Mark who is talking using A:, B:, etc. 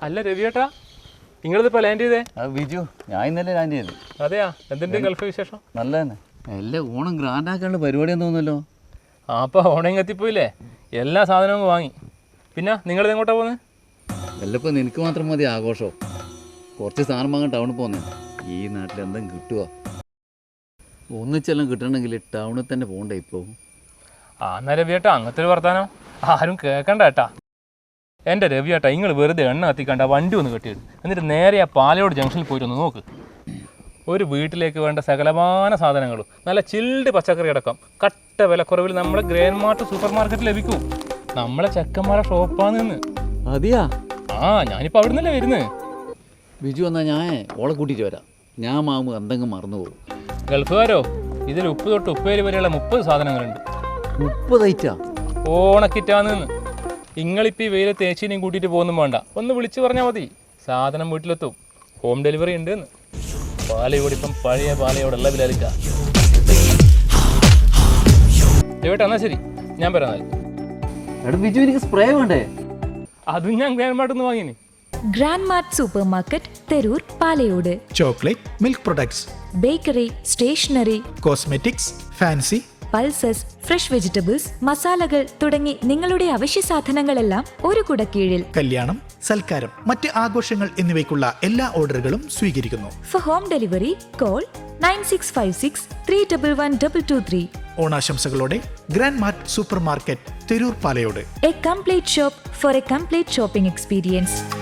A: അല്ല രവിയേട്ടാ, നിങ്ങളിതിപ്പോ ലാൻഡ് ചെയ്തേ?
B: ബിജു, ഞാൻ ഇന്നലെ ലാൻഡ് ചെയ്തു.
A: അതെയാ? എന്തിന്റെ ഗൾഫ് വിശേഷം?
B: നല്ല തന്നെ. എല്ലാം ഓണം ഗ്രാൻഡ് ആക്കാനുള്ള പരിപാടിയെന്ന് തോന്നുന്നല്ലോ.
A: അപ്പോൾ ഓണം എത്തിപ്പോയില്ലേ, എല്ലാ സാധനവും വാങ്ങി. പിന്നെ നിങ്ങളിത് എങ്ങോട്ടാ പോകുന്നത്?
B: വല്ലപ്പോൾ നിനക്ക് മാത്രം മതി ആഘോഷം. കുറച്ച് സാധനം വാങ്ങാൻ ടൗണിൽ പോകുന്നത്. ഈ നാട്ടിൽ എന്തെങ്കിലും കിട്ടുക? ഒന്നിച്ചെല്ലാം കിട്ടണമെങ്കിൽ ടൗണിൽ തന്നെ പോകണ്ടേ ഇപ്പോൾ?
A: എന്നാ രവിയേട്ടാ, അങ്ങനത്തെ ഒരു വർത്താനം ആരും കേൾക്കണ്ട ഏട്ടാ. എൻ്റെ രവിയേട്ടാ, നിങ്ങൾ വെറുതെ എണ്ണ കത്തിക്കണ്ട, വണ്ടി ഒന്ന് കെട്ടിയിട്ട് എന്നിട്ട് നേരെ ആ പാലയോട് ജംഗ്ഷനിൽ പോയിട്ട് ഒന്ന് നോക്ക്. ഒരു വീട്ടിലേക്ക് വേണ്ട സകലമാന സാധനങ്ങളും നല്ല ചിൽഡ് പച്ചക്കറി അടക്കം കട്ട വിലക്കുറവിൽ നമ്മുടെ ഗ്രാൻഡ് മാർട്ട് സൂപ്പർ മാർക്കറ്റിൽ ലഭിക്കും. നമ്മളെ ചെക്കന്മാരെ ഷോപ്പാണ് നിന്ന്.
B: അതെയാ?
A: ഞാനിപ്പോൾ അവിടെ നിന്നല്ലേ വരുന്നത്.
B: ബിജു എന്നാൽ ഞാൻ ഓളെ കൂട്ടിയിട്ട് വരാം. ഞാൻ മാവുമ്പോൾ എന്തെങ്കിലും മറന്നു പോകും.
A: ഗൾഫുകാരോ, ഇതിൽ ഉപ്പ് തൊട്ട് ഉപ്പേരി വരെയുള്ള 30 സാധനങ്ങളുണ്ട്.
B: 30 ഐറ്റാ?
A: ഓണക്കിറ്റാന്ന്. നിങ്ങളിപ്പോൾ ഈ വെയിലെ തേച്ചിനെയും കൂട്ടിയിട്ട് പോകുന്നും വേണ്ട, ഒന്ന് വിളിച്ച് പറഞ്ഞാൽ മതി, സാധനം വീട്ടിലെത്തും. ഹോം ഡെലിവറി ഉണ്ട് എന്ന്. പാലയോട് ഇപ്പം പഴയ പാലയോടുള്ള വിലയില്ല. ചേട്ടാ എന്നാൽ ശരി, ഞാൻ പറയാം.
B: എടാ ബിജു, എനിക്ക് സ്പ്രേ വേണ്ടേ?
A: അതും ഞാൻ ഗ്രാൻഡ് മാർട്ടിൽ വാങ്ങിനി.
C: Grand Mart supermarket, Therur, Palayode.
D: Chocolate, milk products,
C: bakery, stationery,
D: cosmetics, fancy,
C: pulses, fresh vegetables, മസാലകൾ തുടങ്ങി നിങ്ങളുടെ അവശ്യ സാധനങ്ങളെല്ലാം ഒരു കുടക്കീഴിൽ.
D: കല്യാണം, സൽക്കാരം, മറ്റ് ആഘോഷങ്ങൾ എന്നിവയ്ക്കുള്ള എല്ലാ ഓർഡറുകളും സ്വീകരിക്കുന്നു.
C: For home delivery call 9656311223.
D: ഓണാശംസകളോടെ Grand Mart supermarket, Therur, Palayode.
C: A complete shop for a complete shopping experience.